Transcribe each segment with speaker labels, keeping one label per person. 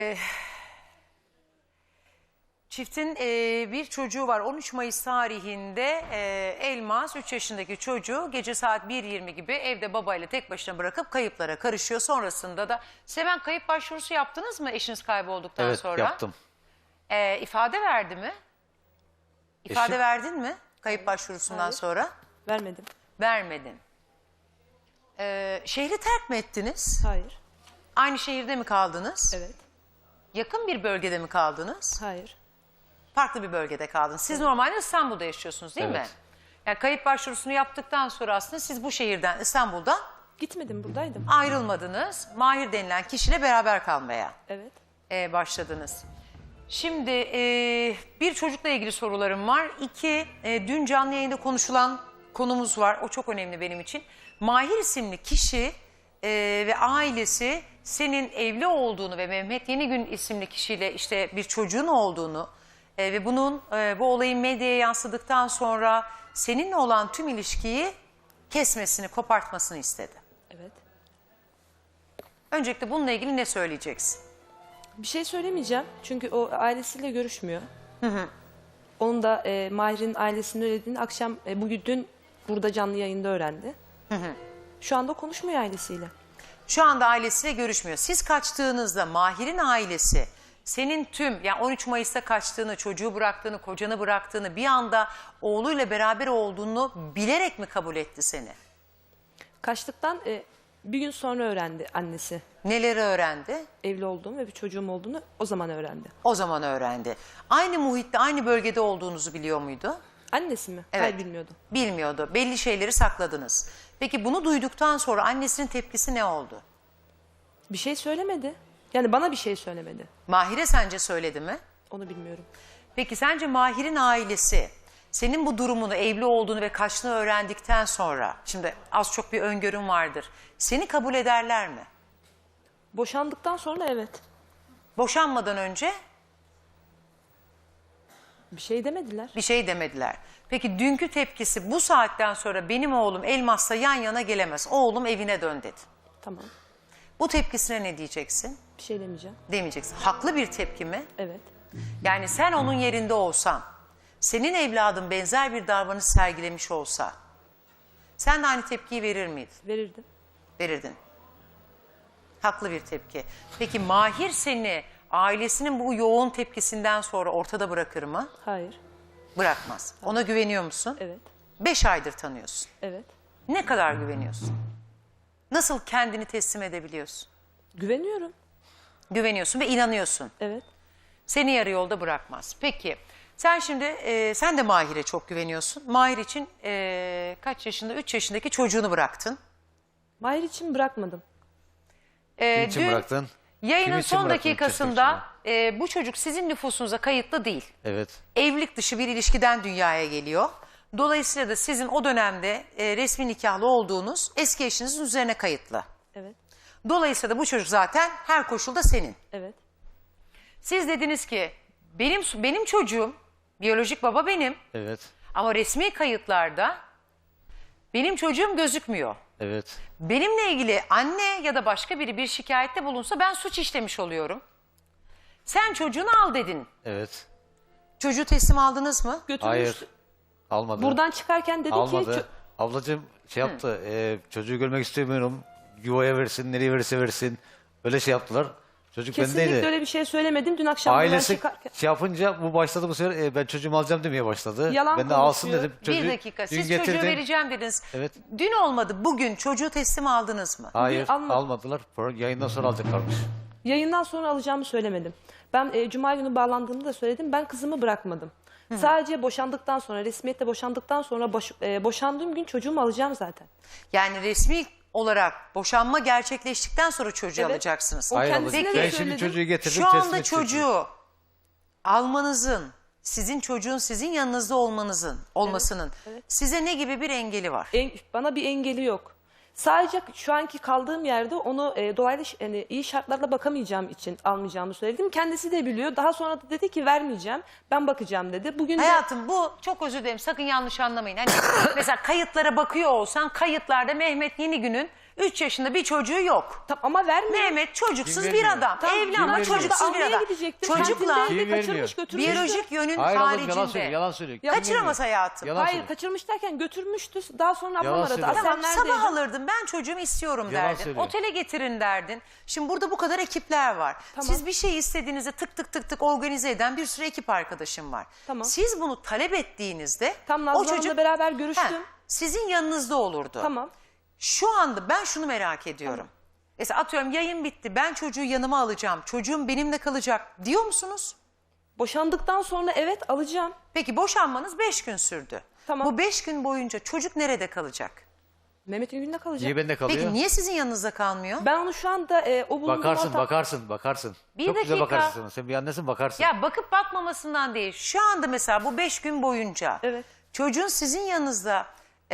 Speaker 1: Çiftin bir çocuğu var. 13 Mayıs tarihinde Elmas 3 yaşındaki çocuğu gece saat 1:20 gibi evde babayla tek başına bırakıp kayıplara karışıyor. Sonrasında da Seven kayıp başvurusu yaptınız mı eşiniz kaybolduktan sonra?
Speaker 2: Evet, yaptım.
Speaker 1: İfade verdi mi? İfade
Speaker 2: Eşim-
Speaker 1: verdin mi kayıp başvurusundan
Speaker 3: Hayır.
Speaker 1: sonra?
Speaker 3: Vermedim.
Speaker 1: Vermedin. Şehri terk mi ettiniz?
Speaker 3: Hayır.
Speaker 1: Aynı şehirde mi kaldınız?
Speaker 3: Evet.
Speaker 1: Yakın bir bölgede mi kaldınız?
Speaker 3: Hayır.
Speaker 1: Farklı bir bölgede kaldınız. Siz normalde İstanbul'da yaşıyorsunuz değil mi?
Speaker 2: Evet.
Speaker 1: Yani kayıp başvurusunu yaptıktan sonra aslında siz bu şehirden, İstanbul'dan
Speaker 3: Gitmedim, buradaydım.
Speaker 1: ayrılmadınız. Mahir denilen kişiyle beraber kalmaya
Speaker 3: Evet.
Speaker 1: başladınız. Şimdi bir çocukla ilgili sorularım var. İki, dün canlı yayında konuşulan konumuz var. O çok önemli benim için. Mahir isimli kişi ve ailesi senin evli olduğunu ve Mehmet Yenigün isimli kişiyle işte bir çocuğun olduğunu ve bunun bu olayın medyaya yansıdıktan sonra seninle olan tüm ilişkiyi kesmesini, kopartmasını istedi.
Speaker 3: Evet.
Speaker 1: Öncelikle bununla ilgili ne söyleyeceksin?
Speaker 3: Bir şey söylemeyeceğim. Çünkü o ailesiyle görüşmüyor. Onun da Mahir'in ailesinin öylediğini akşam bugün dün burada canlı yayında öğrendi. Şu anda konuşmuyor ailesiyle.
Speaker 1: Şu anda ailesiyle görüşmüyor. Siz kaçtığınızda Mahir'in ailesi senin tüm yani 13 Mayıs'ta kaçtığını, çocuğu bıraktığını, kocanı bıraktığını bir anda oğluyla beraber olduğunu bilerek mi kabul etti seni?
Speaker 3: Kaçtıktan bir gün sonra öğrendi annesi.
Speaker 1: Neleri öğrendi?
Speaker 3: Evli olduğumu ve bir çocuğum olduğunu o zaman öğrendi.
Speaker 1: O zaman öğrendi. Aynı muhitte, aynı bölgede olduğunuzu biliyor muydu?
Speaker 3: Annesi mi?
Speaker 1: Evet.
Speaker 3: Hayır, bilmiyordum.
Speaker 1: Bilmiyordu. Belli şeyleri sakladınız. Peki bunu duyduktan sonra annesinin tepkisi ne oldu?
Speaker 3: Bir şey söylemedi. Yani bana bir şey söylemedi.
Speaker 1: Mahir'e sence söyledi mi?
Speaker 3: Onu bilmiyorum.
Speaker 1: Peki sence Mahir'in ailesi senin bu durumunu, evli olduğunu ve kaçtığını öğrendikten sonra, şimdi az çok bir öngörün vardır, seni kabul ederler mi?
Speaker 3: Boşandıktan sonra evet.
Speaker 1: Boşanmadan önce
Speaker 3: Bir şey demediler.
Speaker 1: bir şey demediler. Peki dünkü tepkisi bu saatten sonra benim oğlum Elmas'la yan yana gelemez, oğlum evine dön dedi.
Speaker 3: Tamam.
Speaker 1: Bu tepkisine ne diyeceksin?
Speaker 3: Bir şey demeyeceğim.
Speaker 1: Demeyeceksin. Haklı bir tepki mi?
Speaker 3: Evet.
Speaker 1: Yani sen onun yerinde olsan, senin evladın benzer bir davranış sergilemiş olsa, sen de aynı tepkiyi verir miydin?
Speaker 3: Verirdim.
Speaker 1: Verirdin. Haklı bir tepki. Peki Mahir seni ailesinin bu yoğun tepkisinden sonra ortada bırakır mı?
Speaker 3: Hayır.
Speaker 1: Bırakmaz. Ona güveniyor musun?
Speaker 3: Evet.
Speaker 1: 5 aydır tanıyorsun.
Speaker 3: Evet.
Speaker 1: Ne kadar güveniyorsun? Nasıl kendini teslim edebiliyorsun?
Speaker 3: Güveniyorum.
Speaker 1: Güveniyorsun ve inanıyorsun.
Speaker 3: Evet.
Speaker 1: Seni yarı yolda bırakmaz. Peki sen şimdi sen de Mahir'e çok güveniyorsun. Mahir için kaç yaşında? 3 yaşındaki çocuğunu bıraktın.
Speaker 3: Mahir için bırakmadım.
Speaker 2: Kim için
Speaker 1: Dün
Speaker 2: bıraktın?
Speaker 1: yayının
Speaker 2: Kim için
Speaker 1: son
Speaker 2: bıraktın
Speaker 1: dakikasında bu çocuk sizin nüfusunuza kayıtlı değil.
Speaker 2: Evet.
Speaker 1: Evlilik dışı bir ilişkiden dünyaya geliyor. Dolayısıyla da sizin o dönemde resmi nikahlı olduğunuz eski eşinizin üzerine kayıtlı.
Speaker 3: Evet.
Speaker 1: Dolayısıyla da bu çocuk zaten her koşulda senin.
Speaker 3: Evet.
Speaker 1: Siz dediniz ki benim çocuğum, biyolojik baba benim
Speaker 2: Evet.
Speaker 1: ama resmi kayıtlarda benim çocuğum gözükmüyor.
Speaker 2: Evet.
Speaker 1: Benimle ilgili anne ya da başka biri bir şikayette bulunsa ben suç işlemiş oluyorum. Sen çocuğunu al dedin.
Speaker 2: Evet.
Speaker 1: Çocuğu teslim aldınız mı?
Speaker 3: Götürmüş.
Speaker 2: Hayır. Almadı.
Speaker 3: Buradan çıkarken dedi
Speaker 2: Almadı.
Speaker 3: ki
Speaker 2: Ablacığım şey yaptı. Çocuğu görmek istemiyorum. Yuvaya versin, nereye verirse versin. Öyle şey yaptılar. Çocuk
Speaker 3: kesinlikle
Speaker 2: bendeydi.
Speaker 3: öyle bir şey söylemedim. Dün akşam buradan
Speaker 2: Ailesi
Speaker 3: çıkarken.
Speaker 2: şey yapınca bu başladı bu sefer ben çocuğumu alacağım demeye başladı.
Speaker 3: Yalan
Speaker 2: Ben de alsın
Speaker 3: konuşuyor.
Speaker 2: dedim. Çocuğu
Speaker 1: Bir dakika
Speaker 2: dün
Speaker 1: siz
Speaker 2: getirdim.
Speaker 1: çocuğu vereceğim dediniz.
Speaker 2: Evet.
Speaker 1: Dün olmadı bugün çocuğu teslim aldınız mı?
Speaker 2: Hayır
Speaker 3: almadı.
Speaker 2: almadılar. Yayından sonra alacaklarmış.
Speaker 3: Yayından sonra alacağımı söylemedim. Ben Cuma günü bağlandığımda da söyledim. Ben kızımı bırakmadım. Sadece boşandıktan sonra, resmiyette boşandıktan sonra boşandığım gün çocuğumu alacağım zaten.
Speaker 1: Yani resmi olarak boşanma gerçekleştikten sonra çocuğu
Speaker 3: Evet.
Speaker 1: alacaksınız.
Speaker 3: O
Speaker 2: Hayır
Speaker 3: kendisine
Speaker 2: ablacığım.
Speaker 3: de
Speaker 2: Ben şimdi
Speaker 3: söyledim.
Speaker 2: çocuğu getirdim.
Speaker 1: Şu
Speaker 2: teslim
Speaker 1: anda
Speaker 2: edeceğim.
Speaker 1: çocuğu almanızın, sizin çocuğun sizin yanınızda olmasının
Speaker 3: evet.
Speaker 1: size ne gibi bir engeli var?
Speaker 3: Bana bir engeli yok. Sadece şu anki kaldığım yerde onu dolaylı yani iyi şartlarla bakamayacağım için almayacağımı söyledim. Kendisi de biliyor. Daha sonra da dedi ki vermeyeceğim. Ben bakacağım dedi. Bugün de
Speaker 1: Hayatım bu çok özür dilerim sakın yanlış anlamayın. Hani mesela kayıtlara bakıyor olsan kayıtlarda Mehmet Yenigün'ün 3 yaşında bir çocuğu yok.
Speaker 3: Ama vermiyor.
Speaker 1: Mehmet çocuksuz
Speaker 2: Kim
Speaker 1: bir
Speaker 2: vermiyor?
Speaker 1: adam.
Speaker 3: Tamam,
Speaker 1: Evli
Speaker 2: kim
Speaker 1: ama
Speaker 2: vermiyor?
Speaker 1: çocuksuz bir
Speaker 3: Almaya
Speaker 1: adam.
Speaker 3: gidecektim.
Speaker 1: Çocuklar
Speaker 3: Kendinde
Speaker 2: Kim
Speaker 3: kaçırmış
Speaker 2: vermiyor?
Speaker 3: götürmüştü.
Speaker 1: biyolojik yönün
Speaker 2: Hayır ablacığım,
Speaker 1: haricinde.
Speaker 2: yalan söylüyor. Yalan söylüyor. Kim
Speaker 1: Kaçıramaz
Speaker 2: vermiyor?
Speaker 1: hayatım.
Speaker 2: Yalan
Speaker 3: Hayır
Speaker 2: söylüyor.
Speaker 3: kaçırmış derken götürmüştü. Daha sonra ablam
Speaker 2: Yalan
Speaker 3: aradı.
Speaker 2: söylüyor.
Speaker 3: Aslen
Speaker 1: Tamam, sabah
Speaker 3: neredeydin?
Speaker 1: alırdın, ben çocuğumu istiyorum
Speaker 2: Yalan
Speaker 1: derdin.
Speaker 2: söylüyor.
Speaker 1: Otele getirin derdin. Şimdi burada bu kadar ekipler var.
Speaker 3: Tamam.
Speaker 1: Siz bir şey istediğinizde tık tık tık tık organize eden bir sürü ekip arkadaşım var.
Speaker 3: Tamam.
Speaker 1: Siz bunu talep ettiğinizde
Speaker 3: Tam
Speaker 1: o
Speaker 3: Nazlı Hanım'la
Speaker 1: çocuk
Speaker 3: beraber görüştüm.
Speaker 1: He, sizin yanınızda olurdu.
Speaker 3: Tamam.
Speaker 1: Şu anda ben şunu merak ediyorum. Mesela atıyorum yayın bitti, ben çocuğu yanıma alacağım, çocuğum benimle kalacak diyor musunuz?
Speaker 3: Boşandıktan sonra evet alacağım.
Speaker 1: Peki boşanmanız 5 gün sürdü.
Speaker 3: Tamam.
Speaker 1: Bu 5 gün boyunca çocuk nerede kalacak?
Speaker 3: Mehmet'in gününde kalacak.
Speaker 2: Niye bende kalıyor?
Speaker 1: Peki niye sizin yanınızda kalmıyor?
Speaker 3: Ben onu şu anda o bulunduğum
Speaker 2: Bakarsın.
Speaker 1: Bir
Speaker 2: Çok güzel
Speaker 1: dakika.
Speaker 2: bakarsın. Sen bir annesin, bakarsın.
Speaker 1: Ya bakıp bakmamasından değil. Şu anda mesela bu 5 gün boyunca
Speaker 3: Evet.
Speaker 1: çocuğun sizin yanınızda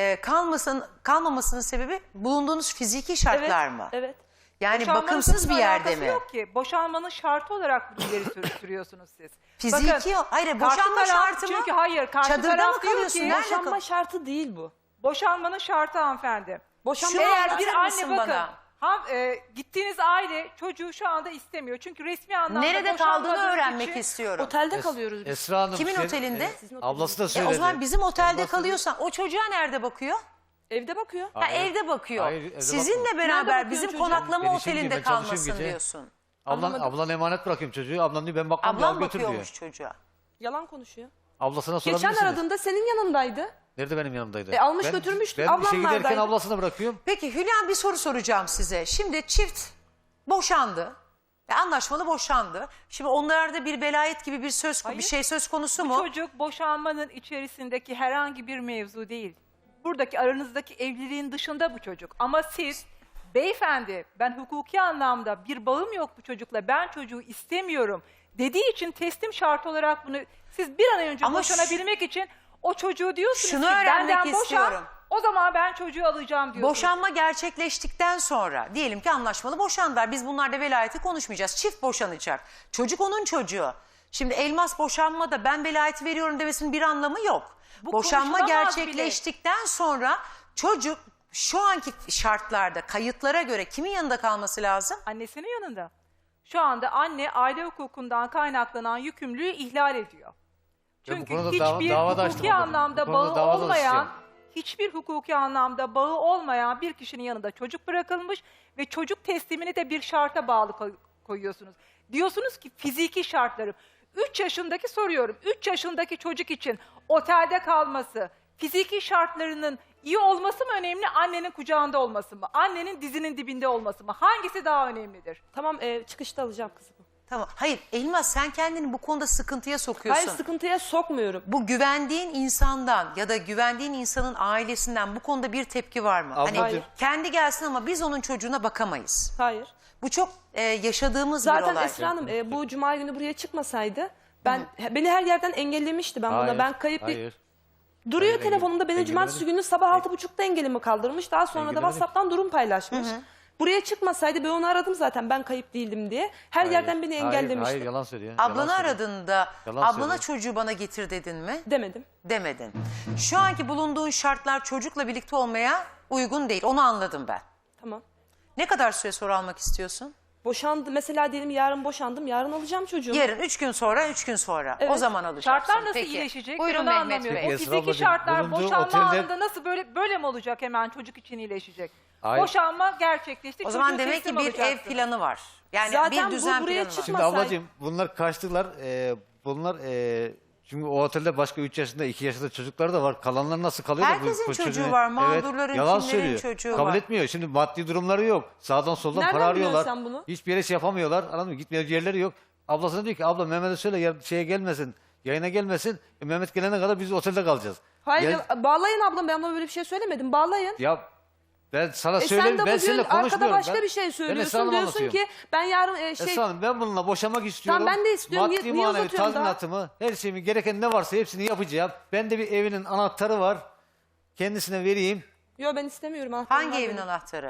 Speaker 1: kalmamasının sebebi bulunduğunuz fiziki şartlar mı?
Speaker 3: Evet.
Speaker 1: Yani
Speaker 4: Boşanmanın
Speaker 1: bakımsız bir
Speaker 4: bununla
Speaker 1: yerde
Speaker 4: alakası
Speaker 1: mi?
Speaker 4: yok ki. Boşanmanın şartı olarak bu ileri sürüyorsunuz siz.
Speaker 1: Fiziki hayır,
Speaker 4: karşı
Speaker 1: boşanma
Speaker 4: taraf-
Speaker 1: şartı mı?
Speaker 4: Çünkü hayır, karşı
Speaker 1: Çadırda
Speaker 4: taraf
Speaker 1: mı
Speaker 4: diyor
Speaker 1: kalıyorsun?
Speaker 4: ki-
Speaker 1: Nerede
Speaker 3: Boşanma şartı değil bu.
Speaker 4: boşanmanın şartı hanımefendi.
Speaker 3: Boşanma
Speaker 1: Şunu
Speaker 4: Eğer
Speaker 1: anlatır
Speaker 4: bir anne
Speaker 1: mısın
Speaker 4: bakın,
Speaker 1: bana?
Speaker 4: gittiğiniz aile çocuğu şu anda istemiyor. Çünkü resmi anlamda
Speaker 1: Nerede
Speaker 4: boşanmadığınız
Speaker 1: kaldığını öğrenmek
Speaker 4: için-
Speaker 1: istiyorum.
Speaker 3: Otelde kalıyoruz biz.
Speaker 2: Esra Hanım.
Speaker 1: Kimin otelinde?
Speaker 2: Ablası da
Speaker 1: E
Speaker 2: söyledi.
Speaker 1: o zaman bizim otelde
Speaker 2: Ablası-
Speaker 1: kalıyorsan o çocuğa nerede bakıyor?
Speaker 3: Evde bakıyor.
Speaker 1: Ha, evde bakıyor.
Speaker 2: Hayır, evde
Speaker 1: Sizinle
Speaker 2: bakmıyor.
Speaker 1: beraber
Speaker 3: bakıyor
Speaker 1: bizim
Speaker 3: çocuğa?
Speaker 1: konaklama
Speaker 2: Ben işe
Speaker 1: otelinde
Speaker 2: gideyim, ben çalışıyorum
Speaker 1: kalmasın
Speaker 2: gece.
Speaker 1: diyorsun.
Speaker 2: Ablan emanet bırakıyorum çocuğu. Ablan diyor ben bakmam, al
Speaker 1: Ablam
Speaker 2: götür diyor.
Speaker 1: bakıyormuş çocuğa.
Speaker 3: Yalan konuşuyor.
Speaker 2: Ablasına sorabilirsiniz.
Speaker 3: Geçen aradığında senin yanındaydı.
Speaker 2: Nerede benim yanımdaydı?
Speaker 3: Almış götürmüştü,
Speaker 2: Ben
Speaker 3: ablam
Speaker 2: işe giderken
Speaker 3: neredeydi?
Speaker 2: ablasına bırakıyorum.
Speaker 1: Peki Hülya, bir soru soracağım size. Şimdi çift boşandı. Anlaşmalı boşandı. Şimdi onlarda bir velayet gibi bir
Speaker 4: Hayır.
Speaker 1: şey söz konusu
Speaker 4: Bu
Speaker 1: mu?
Speaker 4: çocuk boşanmanın içerisindeki herhangi bir mevzu değil. Buradaki aranızdaki evliliğin dışında bu çocuk. Ama siz beyefendi ben hukuki anlamda bir bağım yok bu çocukla, ben çocuğu istemiyorum dediği için teslim şartı olarak bunu siz bir an önce
Speaker 1: Ama
Speaker 4: boşanabilmek için o çocuğu diyorsunuz
Speaker 1: Şunu
Speaker 4: ki
Speaker 1: öğrenmek
Speaker 4: benden boşan,
Speaker 1: istiyorum.
Speaker 4: o zaman ben çocuğu alacağım diyorsunuz.
Speaker 1: Boşanma gerçekleştikten sonra diyelim ki anlaşmalı boşandılar. Biz bunlarda velayeti konuşmayacağız. Çift boşanacak. Çocuk onun çocuğu. Şimdi Elmas boşanmada ben velayeti veriyorum demesinin bir anlamı yok.
Speaker 4: Bu
Speaker 1: Boşanma
Speaker 4: konuşulamaz
Speaker 1: gerçekleştikten sonra çocuk şu anki şartlarda kayıtlara göre kimin yanında kalması lazım?
Speaker 4: Annesinin yanında. Şu anda anne aile hukukundan kaynaklanan yükümlülüğü ihlal ediyor.
Speaker 2: Ben bu
Speaker 4: Çünkü
Speaker 2: konuda
Speaker 4: hiçbir
Speaker 2: dava da açtım
Speaker 4: hukuki
Speaker 2: ablacığım.
Speaker 4: anlamda
Speaker 2: Bu konuda
Speaker 4: bağı
Speaker 2: dava da
Speaker 4: olmayan,
Speaker 2: açacağım.
Speaker 4: hiçbir hukuki anlamda bağı olmayan bir kişinin yanında çocuk bırakılmış ve çocuk teslimini de bir şarta bağlı koyuyorsunuz. Diyorsunuz ki fiziki şartlarım. 3 yaşındaki soruyorum, 3 yaşındaki çocuk için otelde kalması, fiziki şartlarının iyi olması mı önemli, annenin kucağında olması mı? Annenin dizinin dibinde olması mı? Hangisi daha önemlidir?
Speaker 3: Tamam çıkışta alacağım kızımı.
Speaker 1: Tamam. Hayır Elmas, sen kendini bu konuda sıkıntıya sokuyorsun.
Speaker 3: Hayır sıkıntıya sokmuyorum.
Speaker 1: Bu güvendiğin insandan ya da güvendiğin insanın ailesinden bu konuda bir tepki var mı?
Speaker 2: Ablacığım.
Speaker 1: Hani kendi gelsin ama biz onun çocuğuna bakamayız.
Speaker 3: Hayır.
Speaker 1: Bu çok yaşadığımız bir
Speaker 3: Zaten
Speaker 1: olay.
Speaker 3: Esra Hanım bu cuma günü buraya çıkmasaydı beni her yerden engellemişti. Ben buna
Speaker 2: Hayır,
Speaker 3: ben kayıp bir
Speaker 2: hayır.
Speaker 3: duruyor
Speaker 2: Hayır,
Speaker 3: telefonunda beni
Speaker 2: engellemedi.
Speaker 3: cumartesi günü sabah 6.30'da engelimi kaldırmış. Daha sonra da
Speaker 2: Engellemedi.
Speaker 3: WhatsApp'tan durum paylaşmış. Buraya çıkmasaydı ben onu aradım zaten ben kayıp değildim diye. Her yerden beni engellemişti.
Speaker 2: Hayır yalan söylüyor.
Speaker 1: Ablanı
Speaker 2: Yalan söylüyor.
Speaker 1: aradığında
Speaker 2: Yalan
Speaker 1: ablana
Speaker 2: söylüyor.
Speaker 1: çocuğu bana getir dedin mi?
Speaker 3: Demedim.
Speaker 1: Demedin. Şu anki bulunduğun şartlar çocukla birlikte olmaya uygun değil. Onu anladım ben.
Speaker 3: Tamam.
Speaker 1: Ne kadar süre sonra almak istiyorsun?
Speaker 3: Boşandı. Mesela diyelim yarın boşandım. Yarın alacağım çocuğu.
Speaker 1: Yarın, 3 gün sonra, 3 gün sonra. O
Speaker 3: Evet.
Speaker 1: zaman alacaksın.
Speaker 4: Şartlar nasıl
Speaker 1: Peki.
Speaker 4: iyileşecek?
Speaker 1: Buyurun
Speaker 4: Ben onu
Speaker 1: Mehmet
Speaker 4: anlamıyorum.
Speaker 1: Bey.
Speaker 4: O
Speaker 2: Esra
Speaker 4: fiziki
Speaker 2: ablacığım,
Speaker 4: şartlar
Speaker 2: bulunduğu
Speaker 4: boşanma
Speaker 2: otelde-
Speaker 4: anında nasıl böyle mi olacak hemen çocuk için iyileşecek?
Speaker 2: Hayır.
Speaker 4: Boşanma gerçekleşti.
Speaker 1: O zaman
Speaker 4: çocuğu
Speaker 1: demek ki
Speaker 4: teslim
Speaker 1: bir ev
Speaker 4: alacaksınız.
Speaker 1: planı var. Yani
Speaker 3: Zaten
Speaker 1: bir
Speaker 3: bu
Speaker 1: düzen
Speaker 3: buraya
Speaker 1: planı var.
Speaker 3: çıkma-
Speaker 2: Şimdi
Speaker 3: Masay.
Speaker 2: ablacığım bunlar kaçtılar. Bunlar çünkü o otelde başka 3 yaşında 2 yaşında çocuklar da var. Kalanlar nasıl kalıyor? da
Speaker 1: Herkesin çocuğu var, mağdurların,
Speaker 2: yalan
Speaker 1: kimlerin
Speaker 2: söylüyor.
Speaker 1: çocuğu
Speaker 2: Kabul
Speaker 1: var.
Speaker 2: etmiyor. Şimdi maddi durumları yok. Sağdan soldan
Speaker 3: Nereden
Speaker 2: para
Speaker 3: biliyorsun
Speaker 2: arıyorlar.
Speaker 3: sen bunu?
Speaker 2: Hiçbir yere şey yapamıyorlar. Anladın mı? Gitmeye yerleri yok. Ablasına diyor ki abla Mehmet'e söyle şeye gelmesin. Yayına gelmesin. Mehmet gelene kadar biz otelde kalacağız.
Speaker 3: Hayır
Speaker 2: Ya,
Speaker 3: bağlayın ablam ben ona böyle bir şey söylemedim. Bağlayın.
Speaker 2: ya ben sana
Speaker 3: Sen
Speaker 2: söyleyeyim.
Speaker 3: de
Speaker 2: Ben
Speaker 3: bugün
Speaker 2: seninle
Speaker 3: arkada
Speaker 2: konuşmuyorum.
Speaker 3: başka
Speaker 2: Ben-
Speaker 3: bir şey
Speaker 2: ben Esra
Speaker 3: söylüyorsun.
Speaker 2: Hanım'a
Speaker 3: Diyorsun
Speaker 2: anlatıyorum.
Speaker 3: ki ben yarın
Speaker 2: Esra Hanım ben bununla boşamak istiyorum.
Speaker 3: Tamam, ben de istiyorum.
Speaker 2: Maddi
Speaker 3: Niye
Speaker 2: manevi
Speaker 3: uzatıyorsun daha?
Speaker 2: tazminatımı, her şeyimi gereken ne varsa hepsini yapacağım. Ben de bir evinin anahtarı var. Kendisine vereyim.
Speaker 3: Yok ben istemiyorum. anahtarım
Speaker 1: Hangi
Speaker 3: var
Speaker 1: evin
Speaker 3: benim.
Speaker 1: anahtarı?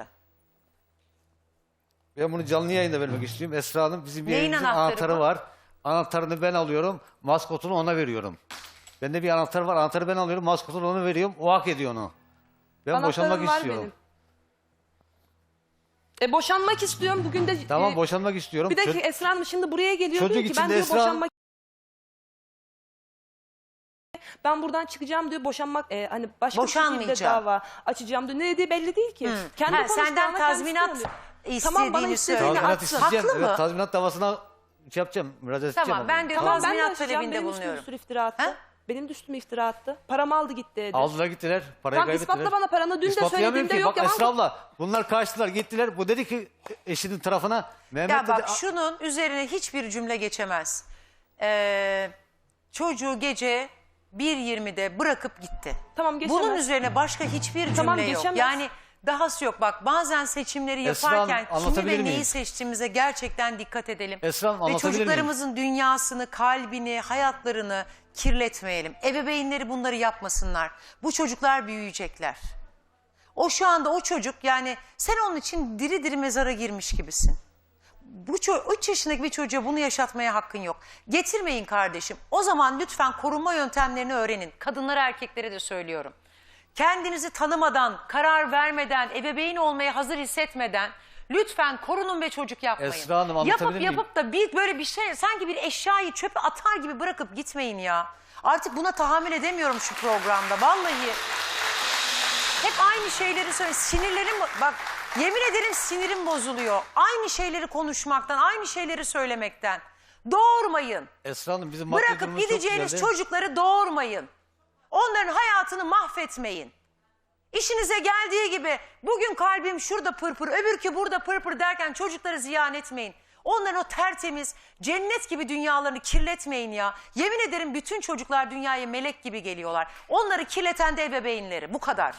Speaker 2: Ben bunu canlı yayında vermek istiyorum. Esra Hanım bizim bir
Speaker 1: Neyin
Speaker 2: evimizin
Speaker 1: anahtarı
Speaker 2: anahtarı
Speaker 1: bu?
Speaker 2: var. Anahtarını ben alıyorum. Maskotunu ona veriyorum. Bende bir anahtar var. Anahtarı ben alıyorum. Maskotunu ona veriyorum. O hak ediyor onu. Ben
Speaker 3: Anahtarım
Speaker 2: boşanmak
Speaker 3: var
Speaker 2: istiyorum.
Speaker 3: benim. Boşanmak istiyorum. Bugün de
Speaker 2: Tamam boşanmak istiyorum.
Speaker 3: bir dakika Esra Hanım şimdi buraya geliyor
Speaker 2: Çocuk
Speaker 3: diyor ki
Speaker 2: için
Speaker 3: ben
Speaker 2: de
Speaker 3: diyor
Speaker 2: Esra-
Speaker 3: boşanmak ben buradan çıkacağım diyor boşanmak hani başka bir şekilde
Speaker 1: Boşanmayacağım.
Speaker 3: dava açacağım diyor. Ne dediği belli değil ki. Kendi
Speaker 1: Ha,
Speaker 3: konuştuğu
Speaker 1: senden
Speaker 3: ama kendisi
Speaker 1: tazminat
Speaker 3: söylüyor.
Speaker 1: istediğini
Speaker 3: Tamam, bana istediğini
Speaker 1: söylüyor.
Speaker 2: Tazminat
Speaker 3: atsın.
Speaker 2: isteyeceğim.
Speaker 1: Haklı mı?
Speaker 2: Evet, tazminat davasına şey yapacağım. Müracaat edeceğim.
Speaker 1: Tamam ben de
Speaker 3: Tamam ben de
Speaker 1: tazminat
Speaker 3: açacağım.
Speaker 1: talebinde
Speaker 3: Benim üstüme
Speaker 1: bulunuyorum.
Speaker 3: bir sürü iftira attı.
Speaker 1: Ha?
Speaker 3: Benim de üstüme iftira attı. Paramı aldı gitti dedi.
Speaker 2: Aldılar gittiler. Parayı
Speaker 3: Tamam,
Speaker 2: kaybettiler.
Speaker 3: ispatla bana paranı. Dün de
Speaker 2: İspatlayamıyorum
Speaker 3: söylediğimde
Speaker 2: ki.
Speaker 3: yok,
Speaker 2: Bak
Speaker 3: yalan
Speaker 2: Esra
Speaker 3: mı?
Speaker 2: abla bunlar kaçtılar gittiler. Bu dedi ki eşinin tarafına Mehmet
Speaker 1: Ya bak
Speaker 2: dedi.
Speaker 1: şunun üzerine hiçbir cümle geçemez. Çocuğu gece 1.20'de bırakıp gitti.
Speaker 3: Tamam, geçemez.
Speaker 1: Bunun üzerine başka hiçbir cümle
Speaker 3: Tamam,
Speaker 1: yok.
Speaker 3: geçemez.
Speaker 1: Yani dahası yok. Bak bazen seçimleri
Speaker 2: Esra Hanım,
Speaker 1: yaparken kimi
Speaker 2: anlatabilir
Speaker 1: ve neyi
Speaker 2: miyim?
Speaker 1: seçtiğimize gerçekten dikkat edelim.
Speaker 2: Esra Hanım,
Speaker 1: Ve
Speaker 2: anlatabilir miyim?
Speaker 1: çocuklarımızın dünyasını, kalbini, hayatlarını kirletmeyelim. Ebeveynleri bunları yapmasınlar. Bu çocuklar büyüyecekler. O şu anda o çocuk yani sen onun için diri diri mezara girmiş gibisin. 3 yaşındaki bir çocuğa bunu yaşatmaya hakkın yok. Getirmeyin kardeşim. O zaman lütfen korunma yöntemlerini öğrenin. Kadınlara erkeklere de söylüyorum. Kendinizi tanımadan, karar vermeden, ebeveyn olmaya hazır hissetmeden lütfen korunun ve çocuk yapmayın.
Speaker 2: Esra Hanım, anlatabilir miyim?
Speaker 1: Yapıp da böyle bir şey sanki bir eşyayı çöpe atar gibi bırakıp gitmeyin ya. Artık buna tahammül edemiyorum şu programda vallahi. Hep aynı şeyleri söyle. Sinirlerim bak yemin ederim sinirim bozuluyor. Aynı şeyleri konuşmaktan, aynı şeyleri söylemekten. Doğurmayın.
Speaker 2: Esra Hanım bizim maddi
Speaker 1: Bırakıp
Speaker 2: durumumuz çok
Speaker 1: gideceğiniz
Speaker 2: güzeldi.
Speaker 1: çocukları doğurmayın. Onların hayatını mahvetmeyin. İşinize geldiği gibi bugün kalbim şurada pırpır, öbürkü burada pırpır derken çocukları ziyan etmeyin. Onların o tertemiz, cennet gibi dünyalarını kirletmeyin ya. Yemin ederim bütün çocuklar dünyaya melek gibi geliyorlar. Onları kirleten de ebeveynleri. Bu kadar.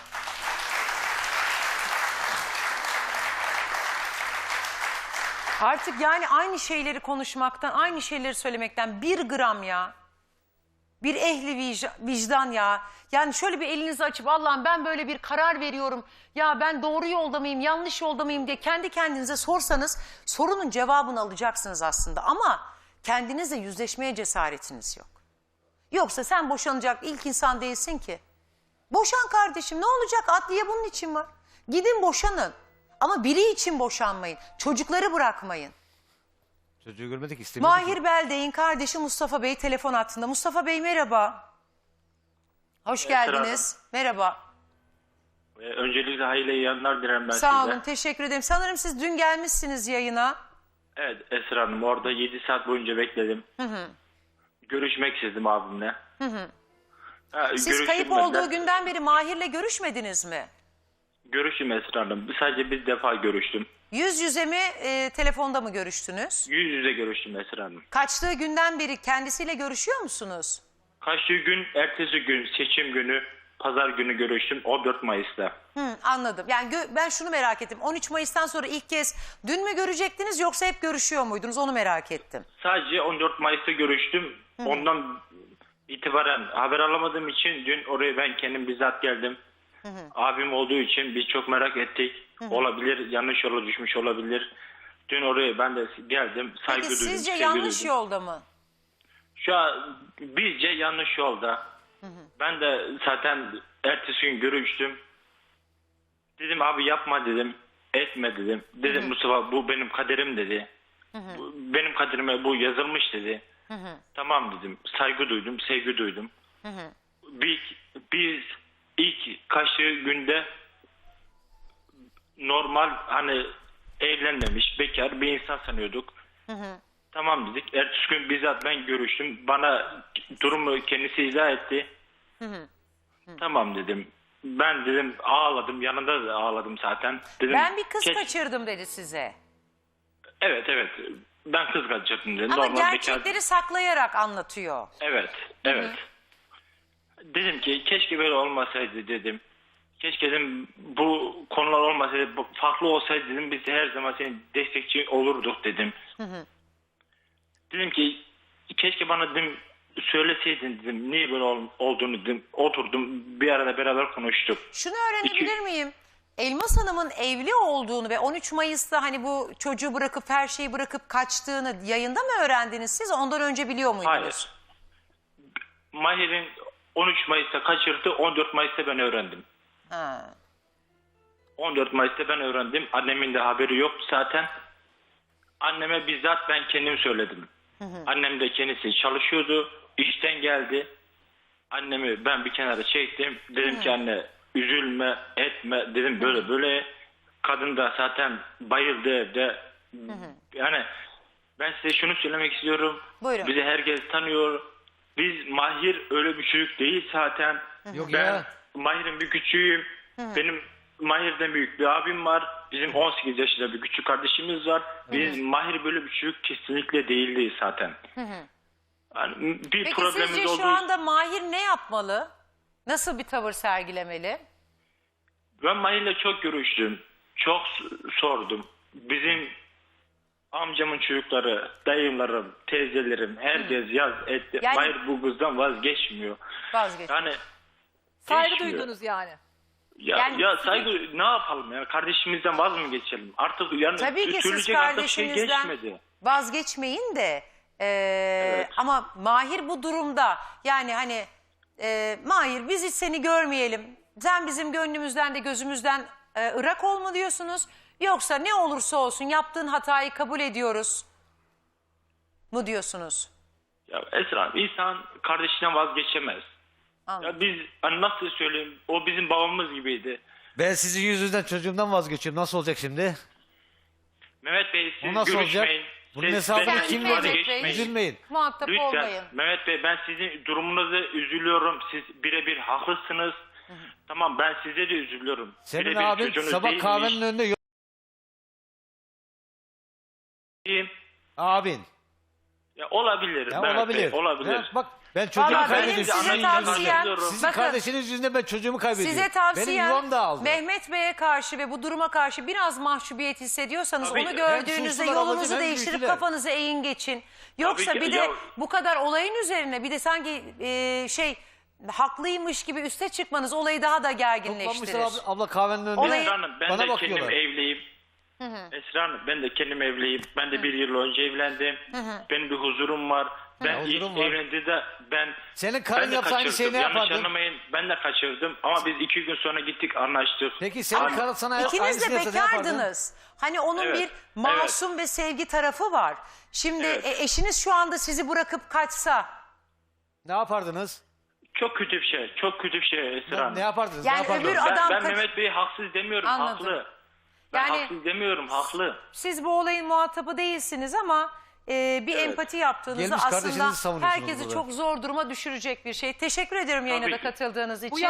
Speaker 1: Artık yani aynı şeyleri konuşmaktan, aynı şeyleri söylemekten bir gram ya. Bir ehli vicdan ya. Yani şöyle bir elinizi açıp Allah'ım ben böyle bir karar veriyorum. Ya ben doğru yolda mıyım, yanlış yolda mıyım diye kendi kendinize sorsanız sorunun cevabını alacaksınız aslında. Ama kendinizle yüzleşmeye cesaretiniz yok. Yoksa sen boşanacak ilk insan değilsin ki. Boşan kardeşim ne olacak? Adliye bunun için var. Gidin boşanın. Ama biri için boşanmayın. Çocukları bırakmayın.
Speaker 2: Çocuğu görmedik istemiyordu ki.
Speaker 1: Mahir Beldey'in kardeşi Mustafa Bey telefon hattında. Mustafa Bey merhaba. Hoş geldiniz. Merhaba.
Speaker 5: Öncelikle hayırlı yayınlar dilerim ben
Speaker 1: Sağ
Speaker 5: size.
Speaker 1: olun teşekkür ederim. Sanırım siz dün gelmişsiniz yayına.
Speaker 5: Evet Esra Hanım orada 7 saat boyunca bekledim. Görüşmek istedim abimle.
Speaker 1: Siz kayıp olduğu günden beri Mahir'le görüşmediniz mi?
Speaker 5: Görüştüm Esra Hanım. Sadece bir defa görüştüm.
Speaker 1: Yüz yüze mi telefonda mı görüştünüz?
Speaker 5: Yüz yüze görüştüm Esra Hanım.
Speaker 1: Kaçtığı günden beri kendisiyle görüşüyor musunuz?
Speaker 5: Kaçtığı gün ertesi gün seçim günü pazar günü görüştüm 14 Mayıs'ta.
Speaker 1: Anladım. Yani ben şunu merak ettim. 13 Mayıs'tan sonra ilk kez dün mü görecektiniz yoksa hep görüşüyor muydunuz? Onu merak ettim.
Speaker 5: Sadece 14 Mayıs'ta görüştüm. Ondan itibaren haber alamadığım için dün oraya ben kendim bizzat geldim. Abim olduğu için biz çok merak ettik. Olabilir, yanlış yola düşmüş olabilir. Dün oraya ben de geldim, saygı
Speaker 1: Peki
Speaker 5: duydum,
Speaker 1: sizce
Speaker 5: sevgi
Speaker 1: yanlış
Speaker 5: duydum.
Speaker 1: yolda mı?
Speaker 5: Şu an bizce yanlış yolda. Ben de zaten ertesi gün görüştüm. Dedim abi yapma dedim, etme dedim. Dedim Mustafa bu benim kaderim dedi. Benim kaderime bu yazılmış dedi. Tamam dedim, saygı duydum, sevgi duydum. Biz ilk kaçtığı günde normal hani evlenmemiş bekar bir insan sanıyorduk. Tamam dedik. Ertesi gün bizzat ben görüştüm. Bana durumu kendisi izah etti. Tamam dedim. Ben dedim ağladım. Yanında da ağladım zaten. Dedim,
Speaker 1: Ben bir kız kaçırdım dedi size.
Speaker 5: Evet. Ben kız kaçırdım dedim.
Speaker 1: Ama
Speaker 5: Normal
Speaker 1: gerçekleri
Speaker 5: bekar.
Speaker 1: saklayarak anlatıyor.
Speaker 5: Evet. Dedim ki keşke böyle olmasaydı dedim. Keşke dedim bu konular olmasaydı, farklı olsaydı dedim biz her zaman senin destekçi olurduk dedim. Dedim ki keşke bana dedim söyleseydin dedim niye böyle olduğunu dedim. Oturdum bir arada beraber konuştuk.
Speaker 1: Şunu öğrenebilir miyim? Elmas Hanım'ın evli olduğunu ve 13 Mayıs'ta hani bu çocuğu bırakıp her şeyi bırakıp kaçtığını yayında mı öğrendiniz siz? Ondan önce biliyor muydunuz?
Speaker 5: Hayır. Mahir'in 13 Mayıs'ta kaçırdı, 14 Mayıs'ta ben öğrendim.
Speaker 1: Ha.
Speaker 5: 14 Mayıs'ta ben öğrendim. Annemin de haberi yoktu zaten. Anneme bizzat ben kendim söyledim. Annem de kendisi çalışıyordu. İşten geldi. Annemi ben bir kenara çektim. Dedim ki anne üzülme etme dedim böyle böyle. Kadın da zaten bayıldı evde. Yani ben size şunu söylemek istiyorum.
Speaker 1: Buyurun.
Speaker 5: Bizi herkes tanıyor. Biz Mahir öyle bir çocuk değil zaten.
Speaker 2: Yok
Speaker 5: Ben
Speaker 2: ya.
Speaker 5: Mahir'in bir küçüğüyüm. Benim Mahir'den büyük bir abim var. Bizim 18 yaşında bir küçük kardeşimiz var. Biz Mahir böyle bir çocuk kesinlikle değildi zaten. Yani bir
Speaker 1: Peki
Speaker 5: problemimiz
Speaker 1: sizce
Speaker 5: oldu.
Speaker 1: şu anda Mahir ne yapmalı? Nasıl bir tavır sergilemeli?
Speaker 5: Ben Mahir'le çok görüştüm. Çok sordum. Bizim amcamın çocukları, dayılarım, teyzelerim herkes yaz etti.
Speaker 1: Yani-
Speaker 5: Mahir bu kızdan vazgeçmiyor.
Speaker 1: Vazgeç.
Speaker 5: Yani
Speaker 4: Saygı
Speaker 5: geçmiyor.
Speaker 4: duydunuz yani.
Speaker 5: Ya saygı ne yapalım ya? Kardeşimizden vaz mı geçelim? Artık yani
Speaker 1: Tabii ki siz
Speaker 5: ütülecek artık şey
Speaker 1: kardeşinizden
Speaker 5: geçmedi.
Speaker 1: vazgeçmeyin de ama Mahir bu durumda yani hani Mahir biz hiç seni görmeyelim. Sen bizim gönlümüzden de gözümüzden ırak olma diyorsunuz. Yoksa ne olursa olsun yaptığın hatayı kabul ediyoruz mu diyorsunuz?
Speaker 5: Ya Esra insan kardeşinden vazgeçemez.
Speaker 1: Anladım.
Speaker 5: Ya biz hani nasıl söyleyeyim? O bizim babamız gibiydi.
Speaker 2: Ben sizin yüzünüzden çocuğumdan vazgeçiyorum. Nasıl olacak şimdi?
Speaker 5: Mehmet Bey
Speaker 2: Bu
Speaker 5: siz
Speaker 2: nasıl olacak?
Speaker 5: görüşmeyin.
Speaker 2: Bunun
Speaker 5: Siz
Speaker 2: hesabını
Speaker 5: benimle
Speaker 2: kim
Speaker 5: ifade
Speaker 2: verecek?
Speaker 5: geçmeyin.
Speaker 2: Üzülmeyin.
Speaker 1: Muhatap
Speaker 5: Lütfen
Speaker 1: olmayın.
Speaker 5: Mehmet Bey ben sizin durumunuza üzülüyorum. Siz birebir haklısınız. Tamam ben size de üzülüyorum.
Speaker 2: Senin
Speaker 5: Birebir
Speaker 2: abin
Speaker 5: çocuğunuz
Speaker 2: sabah
Speaker 5: değilmiş.
Speaker 2: kahvenin önünde yok. Abin.
Speaker 5: Ya olabilir.
Speaker 2: Ya
Speaker 5: Mehmet
Speaker 2: olabilir.
Speaker 5: Bey, olabilir.
Speaker 2: Ya bak ben çocuğumu
Speaker 1: Vallahi benim
Speaker 2: kaybediyorum.
Speaker 1: size
Speaker 2: Sizin
Speaker 1: tavsiyem,
Speaker 2: yüzünüzden. Sizin
Speaker 1: bakın,
Speaker 2: kardeşiniz yüzünden ben çocuğumu kaybediyorum.
Speaker 1: size
Speaker 2: Benim
Speaker 1: tavsiyem
Speaker 2: yuvam da aldı.
Speaker 1: Mehmet Bey'e karşı ve bu duruma karşı biraz mahcubiyet hissediyorsanız
Speaker 5: Tabii.
Speaker 1: onu
Speaker 5: Hem
Speaker 1: gördüğünüzde
Speaker 2: suçlular
Speaker 1: yolunuzu
Speaker 2: ablacığım, hem
Speaker 1: değiştirip
Speaker 2: güçlüler.
Speaker 1: kafanızı eğin geçin. Yoksa
Speaker 5: Tabii ki,
Speaker 1: bir de
Speaker 5: ya-
Speaker 1: bu kadar olayın üzerine bir de sanki haklıymış gibi üste çıkmanız olayı daha da gerginleştirir.
Speaker 2: Toplanmışlar abla kahvenin önünde.
Speaker 1: Olayı-
Speaker 5: Esra Hanım ben
Speaker 2: Bana
Speaker 5: de
Speaker 2: bakıyorlar.
Speaker 5: kendim evliyim. Esra Hanım ben de kendim evliyim. Ben de bir yıl önce evlendim. Benim bir huzurum var. Ben ilk
Speaker 2: huzurum var.
Speaker 5: evlendiğimde ben
Speaker 2: Senin karın
Speaker 5: ben de
Speaker 2: yapsa aynı şeyi ne
Speaker 5: Yanlış
Speaker 2: yapardın?
Speaker 5: anlamayın ben de kaçırdım ama biz 2 gün sonra gittik anlaştık.
Speaker 2: Peki senin karın sana
Speaker 1: İkiniz
Speaker 2: aynısını
Speaker 1: de
Speaker 2: yapsa ne yapardın?
Speaker 1: bekardınız. Hani onun
Speaker 5: Evet,
Speaker 1: bir masum ve sevgi tarafı var. Şimdi
Speaker 5: Evet.
Speaker 1: eşiniz şu anda sizi bırakıp kaçsa
Speaker 2: Ne yapardınız?
Speaker 5: Çok kötü bir şey. Çok kötü bir şey Esra Hanım.
Speaker 2: Ne yapardınız?
Speaker 1: Yani
Speaker 2: ne yapardınız?
Speaker 1: öbür
Speaker 5: Ben,
Speaker 1: adam
Speaker 5: ben
Speaker 1: kaç-
Speaker 5: Mehmet Bey'i haksız demiyorum.
Speaker 1: Anladım.
Speaker 5: Haklı. Ben
Speaker 1: Yani-
Speaker 5: haksız demiyorum. Haklı.
Speaker 1: siz bu olayın muhatabı değilsiniz ama bir
Speaker 5: Evet.
Speaker 1: empati yaptığınızda
Speaker 2: Gelmiş kardeşinizi
Speaker 1: aslında
Speaker 2: savunuyorsunuz
Speaker 1: herkesi
Speaker 2: burada.
Speaker 1: çok zor duruma düşürecek bir şey. Teşekkür ediyorum yayına
Speaker 5: Tabii
Speaker 1: da
Speaker 5: ki.
Speaker 1: katıldığınız için.